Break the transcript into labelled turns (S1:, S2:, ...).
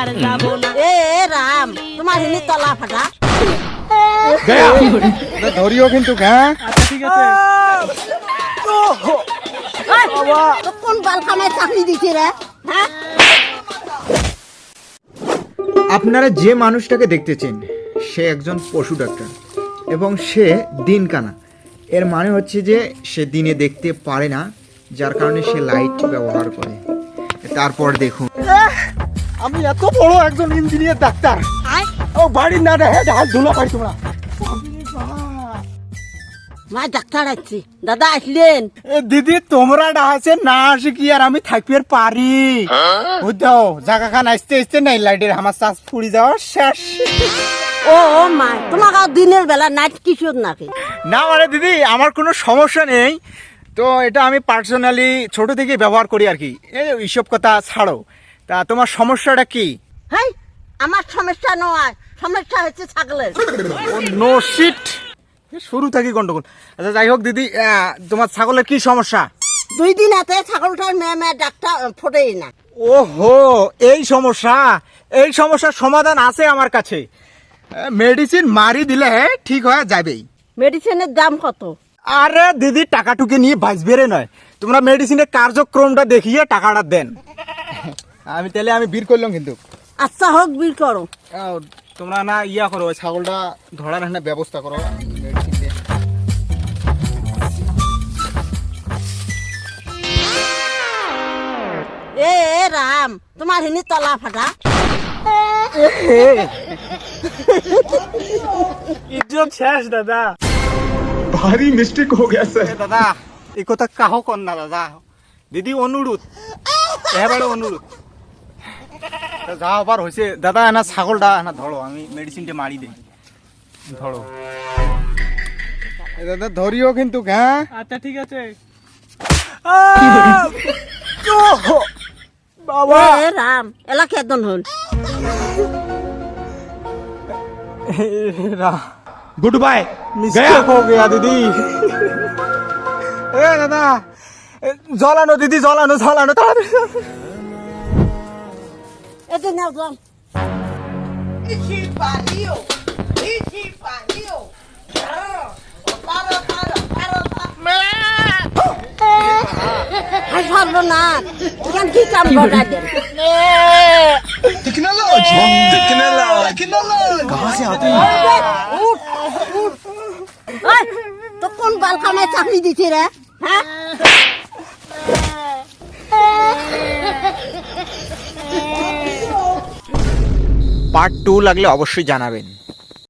S1: এ রাম তোমার হিনি তলা ফাটা
S2: ধরিও কিন্তু হ্যাঁ
S3: ঠিক আছে
S1: তো কোন বালকামায় চাকরি দিছি রে হ্যাঁ
S2: আপনারা যে মানুষটাকে দেখতেছেন সে একজন পশু ডাক্তার এবং সে দিনকানা। এর মানে হচ্ছে যে সে দিনে দেখতে পারে না, যার কারণে সে লাইট ব্যবহার করে। তারপর দেখুন,
S3: আমি এত বড় একজন ইঞ্জিনিয়ার ডাক্তার, ও বাড়ি না রে ঢাল ধুলো পাই তোমরা।
S1: মা ডাক্তার আসছি দাদা আসলেন
S3: দিদি তোমরা ডাহাছে না আসে কি আর আমি থাকতে পারি? বুঝছো জায়গা খান আসতে আসতে নাই লাইটের আমার চাষ ফুড়ি যাওয়া শেষ।
S1: ও মা তোমাকে দিনের বেলা নাইট কিশোর নাকি?
S3: না মানে দিদি আমার কোনো সমস্যা নেই, তো এটা আমি পার্সোনালি ছোট থেকে ব্যবহার করি আর কি। এইসব কথা ছাড়ো, তা তোমার সমস্যাটা কি?
S1: হ্যাঁ আমার সমস্যা নয়, সমস্যা হচ্ছে ছাগলের।
S3: নো শিট, শুরু থাকি গন্ডগোল। আচ্ছা যাই হোক দিদি, তোমার ছাগলের কি সমস্যা?
S1: 2 দিন হাতে ছাগলটার মেয়ে ডাক্তার ফোটেই না।
S3: ওহো এই সমস্যা, এই সমস্যার সমাধান আছে আমার কাছে। মেডিসিন মারি দিলে ঠিক হয়ে যাবেই।
S1: মেডিসিনের দাম কত?
S3: আরে দিদি টাকাটুকি নিয়ে বাঁচবে রে নয়, তোমরা মেডিসিনের কার্যক্রমটা দেখিয়ে টাকাটা দেন। আমি বীর করলাম কিন্তু।
S1: আচ্ছা হোক বিল করো।
S3: তোমরা না ইয়া করো, ওই ছাগলটা ধরার একটা ব্যবস্থা করো। মেডিসিন দিয়ে
S1: এ রাম তোমার হিনি তলা ফাটা
S3: ইজ্জত শেষ দাদা।
S2: ভারী মিস্টেক হয়ে গেছে
S3: দাদা এই কথা কাহ কর না দাদা, দিদি অনুরোধ, এবারে অনুরোধ। যা আবার হয়েছে দাদা, না ছাগলটা না ধরো, আমি মেডিসিনটা মারি দিই। ধরো দাদা, ধরিও কিন্তু হ্যাঁ। আচ্ছা ঠিক আছে বাবা।
S1: এ রাম এলা কেদন হল
S2: গুড বাই
S3: মিস্টেক হো গয়া দিদি। এ দাদা জলানো দিদি, জলানো জলানো তাড়াতাড়ি।
S1: এতে নাও জল। না এখান কি কাম ঘটা দেন তো কোন বালকামায় চাকরি দিছি রে হ্যাঁ
S2: পার্ট 2 লাগলে অবশ্যই জানাবেন।